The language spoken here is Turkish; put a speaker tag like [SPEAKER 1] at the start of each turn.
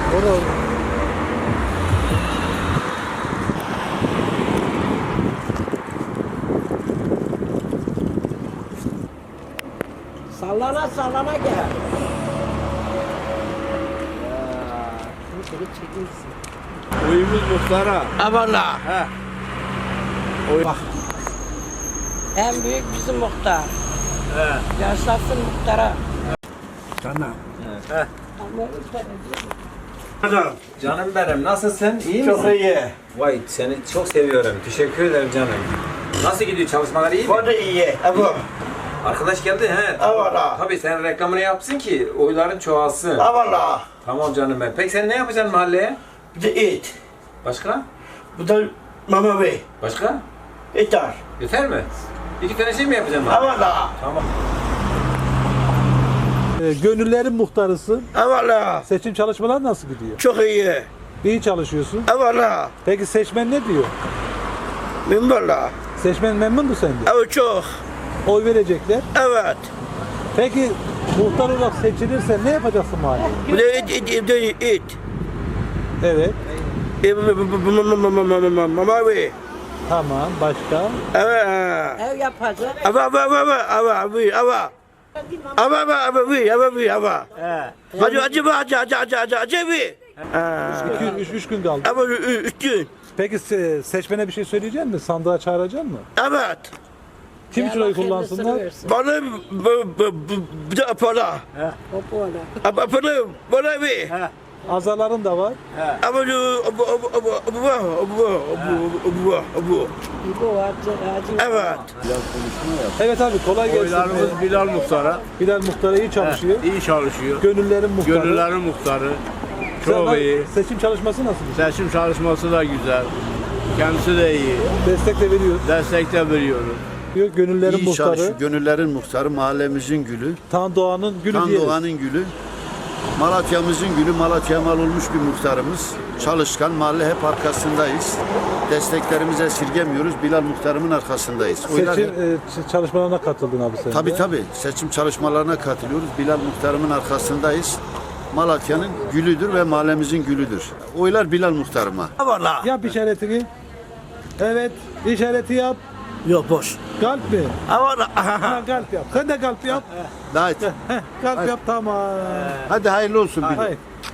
[SPEAKER 1] O da
[SPEAKER 2] Sallana sallana gel. Şimdi seni çekilsin.
[SPEAKER 3] Oyumuz muhtara.
[SPEAKER 2] Avala.
[SPEAKER 3] He.
[SPEAKER 2] Bak. En büyük bizim muhtar.
[SPEAKER 3] He.
[SPEAKER 2] Yaşasın muhtara.
[SPEAKER 3] Tamam.
[SPEAKER 2] Ama
[SPEAKER 4] Canım benim, nasılsın? İyi
[SPEAKER 3] Çok
[SPEAKER 4] misin?
[SPEAKER 3] iyi.
[SPEAKER 4] Vay, seni çok seviyorum. Teşekkür ederim canım. Nasıl gidiyor, çalışmalar iyi mi?
[SPEAKER 3] O da iyi. Ama.
[SPEAKER 4] Arkadaş geldi he.
[SPEAKER 3] Avala.
[SPEAKER 4] Tabii sen reklamını yapsın ki oyların çoğalsın.
[SPEAKER 3] Avala.
[SPEAKER 4] Tamam canım ben. Peki sen ne yapacaksın mahalleye?
[SPEAKER 3] Bu da et.
[SPEAKER 4] Başka?
[SPEAKER 3] Bu da mama bey.
[SPEAKER 4] Başka?
[SPEAKER 3] Etar.
[SPEAKER 4] Yeter mi? İki tane şey mi yapacaksın mahalleye?
[SPEAKER 3] Avala.
[SPEAKER 4] Tamam.
[SPEAKER 1] gönüllerin muhtarısın.
[SPEAKER 3] Avala.
[SPEAKER 1] Seçim çalışmaları nasıl gidiyor?
[SPEAKER 3] Çok iyi.
[SPEAKER 1] İyi çalışıyorsun.
[SPEAKER 3] Avala.
[SPEAKER 1] Peki seçmen ne diyor?
[SPEAKER 3] Minvallah.
[SPEAKER 1] Seçmen memnun mu sende?
[SPEAKER 3] Evet çok.
[SPEAKER 1] Oy verecekler.
[SPEAKER 3] Evet.
[SPEAKER 1] Peki muhtar olarak seçilirsen ne yapacaksın mahalleye?
[SPEAKER 3] Bu da et.
[SPEAKER 1] Evet.
[SPEAKER 3] Mama bey.
[SPEAKER 1] Tamam. Başka?
[SPEAKER 3] Evet.
[SPEAKER 2] ev yapacak.
[SPEAKER 3] Ava.
[SPEAKER 1] Üç gün kaldı.
[SPEAKER 3] Ama 3 gün.
[SPEAKER 1] Peki seçmene bir şey söyleyecek misin? Sandığa çağıracak mısın?
[SPEAKER 3] Evet.
[SPEAKER 1] Kim için oy kullansınlar?
[SPEAKER 3] Bana bir de para.
[SPEAKER 2] O böyle.
[SPEAKER 3] Ama para bana bir.
[SPEAKER 1] Azaların da var.
[SPEAKER 3] Ama
[SPEAKER 2] İbo var. Acı.
[SPEAKER 3] evet.
[SPEAKER 1] Evet abi kolay gelsin.
[SPEAKER 5] Oylarımız Bilal Muhtar'a.
[SPEAKER 1] Bilal Muhtar'a iyi çalışıyor.
[SPEAKER 5] İyi çalışıyor.
[SPEAKER 1] Gönüllerin muhtarı.
[SPEAKER 5] Gönüllerin muhtarı.
[SPEAKER 1] Sen
[SPEAKER 5] Çok iyi.
[SPEAKER 1] Seçim çalışması nasıl?
[SPEAKER 5] Seçim çalışması da güzel. Kendisi de iyi.
[SPEAKER 1] Destek de veriyor.
[SPEAKER 5] Destek de veriyoruz.
[SPEAKER 1] Diyor gönüllerin
[SPEAKER 6] İyi
[SPEAKER 1] muhtarı.
[SPEAKER 6] çalışıyor. Gönüllerin muhtarı, mahallemizin gülü,
[SPEAKER 1] Tan Doğan'ın gülü
[SPEAKER 6] Kan
[SPEAKER 1] diyelim.
[SPEAKER 6] Doğan'ın gülü, Malatya'mızın gülü, Malatya'ya mal olmuş bir muhtarımız. Çalışkan, mahalle hep arkasındayız. Desteklerimizi esirgemiyoruz. Bilal muhtarımın arkasındayız. Oylar
[SPEAKER 1] Seçim
[SPEAKER 6] hep-
[SPEAKER 1] çalışmalarına katıldın abi sen de.
[SPEAKER 6] Tabii. Seçim çalışmalarına katılıyoruz. Bilal muhtarımın arkasındayız. Malatya'nın gülüdür ve mahallemizin gülüdür. Oylar Bilal muhtarıma.
[SPEAKER 3] Valla.
[SPEAKER 1] Yap işaretini. Evet, işareti yap.
[SPEAKER 3] Yok boş.
[SPEAKER 1] Kalp mi?
[SPEAKER 3] Valla.
[SPEAKER 1] Ha, kalp yap. Sen de kalp yap.
[SPEAKER 6] Hadi,
[SPEAKER 1] Kalp yap tamam.
[SPEAKER 6] hadi hayırlı olsun Bilal.
[SPEAKER 1] Hayır.